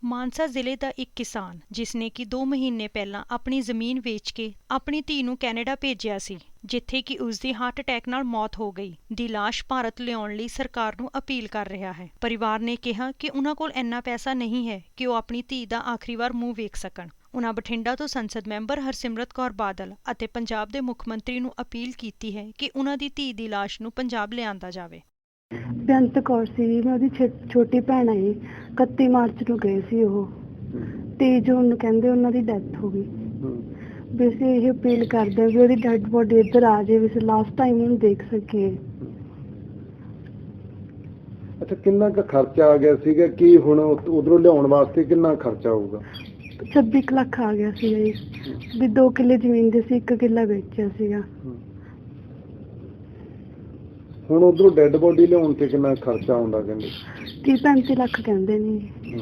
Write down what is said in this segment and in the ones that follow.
ਮਾਨਸਾ ਜ਼ਿਲ੍ਹੇ ਦਾ ਇੱਕ ਕਿਸਾਨ ਜਿਸ ਨੇ ਕਿ 2 ਮਹੀਨੇ ਪਹਿਲਾਂ ਆਪਣੀ ਜ਼ਮੀਨ ਵੇਚ ਕੇ ਆਪਣੀ ਧੀ ਨੂੰ ਕੈਨੇਡਾ ਭੇਜਿਆ ਸੀ, ਜਿੱਥੇ ਕਿ ਉਸ ਦੀ ਹਾਰਟ ਅਟੈਕ ਨਾਲ ਮੌਤ ਹੋ ਗਈ, ਦੀ ਲਾਸ਼ ਭਾਰਤ ਲਿਆਉਣ ਲਈ ਸਰਕਾਰ ਨੂੰ ਅਪੀਲ ਕਰ ਰਿਹਾ ਹੈ। ਪਰਿਵਾਰ ਨੇ ਕਿਹਾ ਕਿ ਉਹਨਾਂ ਕੋਲ ਇੰਨਾ ਪੈਸਾ ਨਹੀਂ ਹੈ ਕਿ ਉਹ ਆਪਣੀ ਧੀ ਦਾ ਆਖਰੀ ਵਾਰ ਮੂੰਹ ਵੇਖ ਸਕਣ। ਉਨ੍ਹਾਂ ਬਠਿੰਡਾ ਤੋਂ ਸੰਸਦ ਮੈਂਬਰ ਹਰਸਿਮਰਤ ਕੌਰ ਬਾਦਲ ਅਤੇ ਪੰਜਾਬ ਦੇ ਮੁੱਖ ਮੰਤਰੀ ਨੂੰ ਅਪੀਲ ਕੀਤੀ ਹੈ ਕਿ ਉਨ੍ਹਾਂ ਦੀ ਧੀ ਦੀ ਲਾਸ਼ ਨੂੰ ਪੰਜਾਬ ਲਿਆਂਦਾ ਜਾਵੇ। ਬੇਅੰਤ ਕੌਰ ਸੀ, ਮੈਂ ਉਹਦੀ ਛੋਟੀ ਭੈਣ ਆਈ। 31 ਮਾਰਚ ਨੂੰ ਗਏ ਸੀ ਉਹ, 23 ਜੂਨ ਨੂੰ ਕਹਿੰਦੇ ਉਹਨਾਂ ਦੀ ਡੈਥ ਹੋ ਗਈ। ਵੀ ਅਸੀਂ ਇਹ ਅਪੀਲ ਕਰਦੇ ਹਾਂ ਵੀ ਉਹਦੀ ਡੈਡ ਬੋਡੀ ਇੱਧਰ ਆ ਜਾਏ, ਵੀ ਅਸੀਂ ਲਾਸਟ ਟਾਈਮ ਉਹਨੂੰ ਦੇਖ ਸਕੀਏ। ਅੱਛਾ, ਕਿੰਨਾ ਕੁ ਖਰਚਾ ਆ ਗਿਆ ਸੀਗਾ? ਕੀ ਹੁਣ ਉਧਰੋਂ ਲਿਆਉਣ ਵਾਸਤੇ ਕਿੰਨਾ ਖਰਚਾ ਆਊਗਾ? 26 ਲੱਖ ਆ ਗਿਆ ਸੀਗਾ ਜੀ। ਵੀ 2 ਕਿੱਲੇ ਜ਼ਮੀਨ ਦੇ ਸੀ, 1 ਕਿੱਲਾ ਵੇਚਿਆ ਸੀਗਾ। ਹੁਣ ਉਧਰੋਂ ਡੈਡ ਬੋਡੀ ਲਿਆਉਣ ਤੇ ਕਿੰਨਾ ਖਰਚਾ ਆਉਂਦਾ? ਕਹਿੰਦੇ 30-35 ਲੱਖ ਕਹਿੰਦੇ ਨੇ।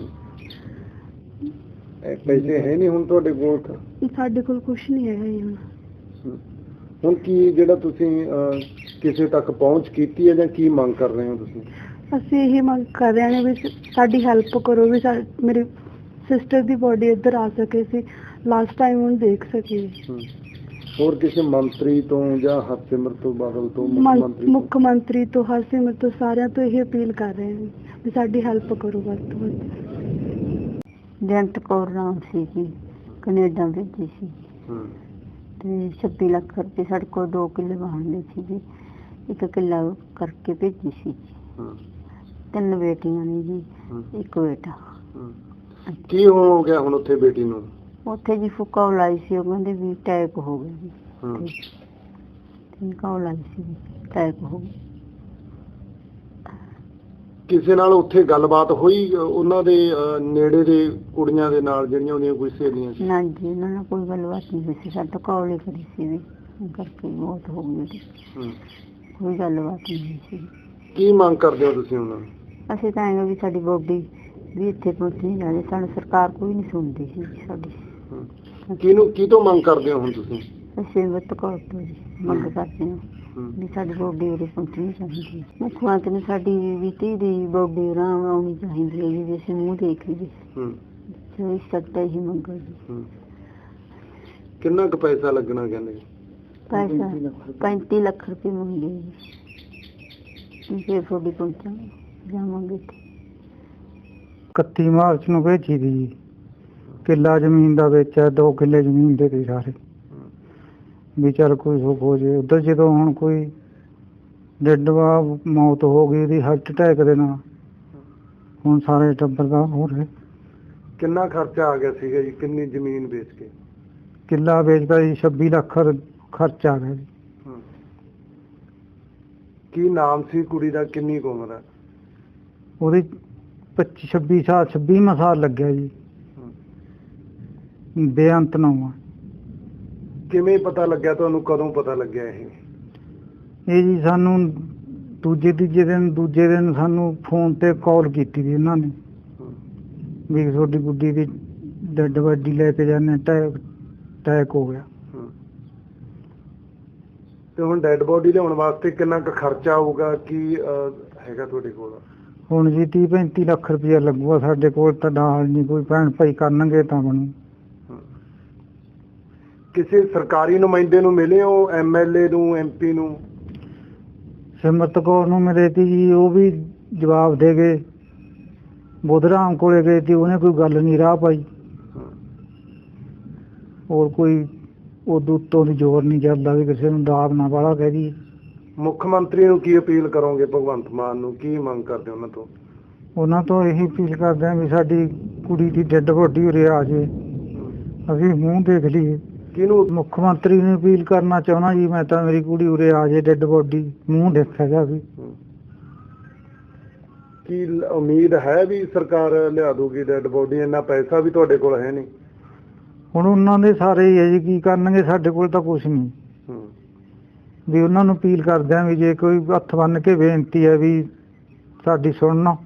ਪੈਸੇ ਹੈ ਨਹੀਂ ਹੁਣ ਤੁਹਾਡੇ ਕੋਲ? ਸਾਡੇ ਕੋਲ ਕੁਝ ਨਹੀਂ ਹੈਗਾ ਜੀ ਹੁਣ। ਹੁਣ ਕੀ ਜਿਹੜਾ ਤੁਸੀਂ ਕਿਸੇ ਤੱਕ ਪਹੁੰਚ ਕੀਤੀ ਹੈ ਜਾਂ ਕੀ ਮੰਗ ਕਰ ਰਹੇ ਹੋ ਤੁਸੀਂ? ਅਸੀਂ ਇਹ ਮੰਗ ਕਰ ਰਹੇ ਹਾਂ ਵੀ ਸਾਡੀ ਹੈਲਪ ਕਰੋ, ਵੀ ਮੇਰੀ ਸਿਸਟਰ ਦੀ ਬੋਡੀ ਇੱਧਰ ਆ ਸਕੇ, ਅਸੀਂ ਲਾਸਟ ਟਾਈਮ ਉਹਨੂੰ ਦੇਖ ਸਕੀਏ। ਹੋਰ ਕਿਸੇ ਮੰਤਰੀ ਤੋਂ ਜਾਂ ਹਰਸਿਮਰਤ ਤੋਂ ਬਾਦਲ ਤੋਂ, ਮੁੱਖ ਮੰਤਰੀ ਤੋਂ, ਹਰਸਿਮਰਤ ਤੋਂ, ਸਾਰਿਆਂ ਤੋਂ ਇਹ ਅਪੀਲ ਕਰ ਰਹੇ ਹਾਂ ਵੀ ਸਾਡੀ ਹੈਲਪ ਕਰੋ ਵੱਧ ਤੋਂ ਵੱਧ। ਬੇਅੰਤ ਕੌਰ ਨਾਮ ਸੀ ਜੀ, ਕੈਨੇਡਾ ਭੇਜੀ ਸੀ ਤੇ 26 ਲੱਖ ਰੁਪਏ ਸਾਡੇ ਕੋਲ 2 ਕਿੱਲੇ ਵਾਹੁੰਦੇ ਸੀ ਜੀ, 1 ਕਿੱਲਾ ਕਰਕੇ ਭੇਜੀ ਸੀ। 3 ਬੇਟੀਆਂ ਨੇ ਜੀ, 1 ਬੇਟਾ। ਕੀ ਹੋ ਗਿਆ ਹੁਣ ਉੱਥੇ ਬੇਟੀ ਨੂੰ? ਉੱਥੇ ਜੀ ਫੁੱਕਾ ਲਾਈ ਸੀ, ਉਹ ਕਹਿੰਦੇ ਵੀ ਅਟੈਕ ਹੋ ਗਿਆ ਜੀ। ਫੁੱਕਾ ਲਾਈ ਸੀ, ਅਟੈਕ ਹੋ ਗਿਆ। ਕਿਸੇ ਨਾਲ ਉੱਥੇ ਗੱਲਬਾਤ ਹੋਈ ਉਹਨਾਂ ਦੇ ਨੇੜੇ ਦੇ ਕੁੜੀਆਂ ਦੇ ਨਾਲ, ਜਿਹੜੀਆਂ ਉਹਦੀਆਂ ਕੋਈ ਸਹੇਲੀਆਂ ਸੀ? ਨਾ ਜੀ, ਉਹਨਾਂ ਨਾਲ ਕੋਈ ਗੱਲਬਾਤ ਨਹੀਂ ਹੋਈ ਸੀ। ਸਾਡੇ ਕਾਲ ਹੀ ਕਰੀ ਸੀ ਵੀ ਕਰਕੇ ਮੌਤ ਹੋ ਗਈ ਉਹਦੀ। ਕੋਈ ਗੱਲਬਾਤ ਨਹੀਂ ਹੋਈ ਸੀ। ਕੀ ਮੰਗ ਕਰਦੇ ਹੋ ਤੁਸੀਂ ਉਹਨਾਂ ਨੂੰ? ਅਸੀਂ ਤਾਂ ਐਂ ਵੀ ਸਾਡੀ ਬੋਡੀ ਵੀ ਇੱਥੇ ਪਹੁੰਚਣੀ ਚਾਹੀਦੀ। ਸਾਨੂੰ ਸਰਕਾਰ ਕੋਈ ਨਹੀਂ ਸੁਣਦੀ ਸੀ ਸਾਡੀ। ਕੀ ਤੋਂ ਮੰਗ ਕਰਦੇ ਹੋ ਹੁਣ ਤੁਸੀਂ? ਅਸੀਂ ਵੱਤ ਕੌਰ ਤੋਂ ਜੀ ਮੰਗ ਕਰਦੇ ਹਾਂ ਵੀ ਸਾਡੀ ਬੋਡੀ ਉਰੇ ਪਹੁੰਚਣੀ ਚਾਹੀਦੀ ਹੈ। ਮੁੱਖ ਮੰਤਰੀ ਨੂੰ ਸਾਡੀ ਵੀ ਧੀ ਦੀ ਬੋਡੀ ਉਰਾਂ ਆਉਣੀ ਚਾਹੀਦੀ ਹੈ ਜੀ, ਵੀ ਅਸੀਂ ਮੂੰਹ ਦੇਖ ਲਈਏ। ਜੋ ਇਸ ਸਕਦਾ ਹੀ ਮੰਗੋ ਜੀ। ਕਿੰਨਾ ਕੁ ਪੈਸਾ ਲੱਗਣਾ ਕਹਿੰਦੇ? ਪੈਸਾ 35 ਲੱਖ ਰੁਪਏ ਮੰਗੇ ਜੀ। ਫਿਰ ਤੁਹਾਡੀ ਪਹੁੰਚਾਂਗੇ, ਜਾਵਾਂਗੇ। 31 ਮਾਰਚ ਨੂੰ ਭੇਜੀ ਦੀ ਜੀ, ਕਿੱਲਾ ਜ਼ਮੀਨ ਦਾ ਵੇਚਿਆ, 2 ਕਿੱਲੇ ਜ਼ਮੀਨ ਦੇ ਗਏ ਸਾਰੇ, ਵੀ ਚੱਲ ਕੋਈ ਸੁੱਖ ਹੋ ਜੇ ਉੱਧਰ। ਜਦੋਂ ਹੁਣ ਕੋਈ ਡੈਡ ਮੌਤ ਹੋ ਗਈ ਉਹਦੀ ਹਾਰਟ ਅਟੈਕ ਦੇ ਨਾਲ, ਹੁਣ ਸਾਰੇ ਟੱਬਰ ਦਾ ਹੋ ਰਿਹਾ। ਕਿੰਨਾ ਖਰਚਾ ਆ ਗਿਆ ਸੀਗਾ ਜੀ? ਕਿੰਨੀ ਜ਼ਮੀਨ ਵੇਚ ਕੇ? ਕਿੱਲਾ ਵੇਚਦਾ ਜੀ, 26 ਲੱਖ ਖਰਚਾ ਆ ਗਿਆ ਜੀ। ਕੀ ਨਾਮ ਸੀ ਕੁੜੀ ਦਾ? ਕਿੰਨੀ ਕੁ ਉਮਰ ਹੈ ਉਹਦੀ? 26 ਸਾਲ ਲੱਗਿਆ ਜੀ। ਬੇਅੰਤ ਨਾਮ ਆ। ਕਿਵੇਂ ਪਤਾ ਲੱਗਿਆ ਤੁਹਾਨੂੰ? ਕਦੋਂ ਪਤਾ ਲੱਗਿਆ ਇਹ ਜੀ ਸਾਨੂੰ ਦੂਜੇ ਦਿਨ ਸਾਨੂੰ ਫੋਨ ਤੇ ਕਾਲ ਕੀਤੀ ਸੀ ਇਹਨਾਂ ਨੇ ਵੀ ਤੁਹਾਡੀ ਗੁੱਡੀ ਦੀ ਡੈਡ ਬੋਡੀ ਲੈ ਕੇ ਜਾਂਦੇ, ਅਟੈਕ ਹੋ ਗਿਆ। ਤੇ ਹੁਣ ਡੈਡ ਬੋਡੀ ਲਿਆਉਣ ਵਾਸਤੇ ਕਿੰਨਾ ਕੁ ਖਰਚਾ ਆਊਗਾ? ਕੀ ਹੈਗਾ ਤੁਹਾਡੇ ਕੋਲ? ਹੁਣ ਜੀ 30-35 ਲੱਖ ਰੁਪਇਆ ਲੱਗੂਗਾ। ਸਾਡੇ ਕੋਲ ਤਾਂ ਨਾਲ ਨਹੀਂ, ਕੋਈ ਭੈਣ ਭਾਈ ਕਰਨਗੇ ਤਾਂ ਬਣੂ। ਕਿਸੇ ਸਰਕਾਰੀ ਨੁਮਾਇੰਦੇ ਨੂੰ ਮਿਲੇ ਹੋ? MLA ਨੂੰ, MP ਨੂੰ? ਸਿਮਰਤ ਕੌਰ ਨੂੰ ਮਿਲੇ ਤੀ ਜੀ, ਉਹ ਵੀ ਜਵਾਬ ਦੇ ਗਏ। ਬੁੱਧਰਾਮ ਕੋਲੇ ਗਏ ਸੀ, ਉਹਨੇ ਕੋਈ ਗੱਲ ਨਹੀਂ ਰਾਹ ਪਾਈ। ਹੋਰ ਕੋਈ ਉਦੋਂ ਉੱਤੋਂ ਦੀ ਜ਼ੋਰ ਨਹੀਂ ਚੱਲਦਾ ਵੀ ਕਿਸੇ ਨੂੰ ਦਾਬ ਨਾ ਵਾਲਾ ਕਹਿ ਦੀ। ਮੁੱਖ ਮੰਤਰੀ ਨੂੰ ਕੀ ਅਪੀਲ ਕਰੋਗੇ? ਭਗਵੰਤ ਮਾਨ ਨੂੰ ਕੀ ਮੰਗ ਕਰਦੇ ਉਹਨਾਂ ਤੋਂ? ਉਹਨਾਂ ਤੋਂ ਇਹੀ ਅਪੀਲ ਕਰਦੇ ਹਾਂ ਵੀ ਸਾਡੀ ਕੁੜੀ ਦੀ ਡੈਡ ਬੋਡੀ ਉਰੇ ਆ ਜਾਏ, ਅਸੀਂ ਮੂੰਹ ਦੇਖ ਲਈਏ। ਕਿਹਨੂੰ? ਮੁੱਖ ਮੰਤਰੀ ਨੂੰ ਅਪੀਲ ਕਰਨਾ ਚਾਹੁੰਦਾ ਜੀ ਮੈਂ ਤਾਂ, ਮੇਰੀ ਕੁੜੀ ਉਰੇ ਆ ਜਾਏ, ਡੈਡ ਬੋਡੀ ਮੂੰਹ ਦੇਖਿਆ ਜਾਵੇ। ਕੀ ਉਮੀਦ ਹੈ ਵੀ ਸਰਕਾਰ ਲਿਆ ਦੂਗੀ ਡੈਡ ਬੋਡੀ? ਇੰਨਾ ਪੈਸਾ ਵੀ ਤੁਹਾਡੇ ਕੋਲ ਹੈ ਨਹੀਂ। ਹੁਣ ਉਹਨਾਂ ਦੇ ਸਾਰੇ ਹੀ ਹੈ ਜੀ, ਕੀ ਕਰਨਗੇ? ਸਾਡੇ ਕੋਲ ਤਾਂ ਕੁਛ ਨਹੀਂ। ਵੀ ਉਹਨਾਂ ਨੂੰ ਅਪੀਲ ਕਰਦੇ ਹਾਂ ਵੀ ਜੇ ਕੋਈ ਹੱਥ ਬੰਨ੍ਹ ਕੇ ਬੇਨਤੀ ਹੈ ਵੀ ਸਾਡੀ ਸੁਣਨਾ,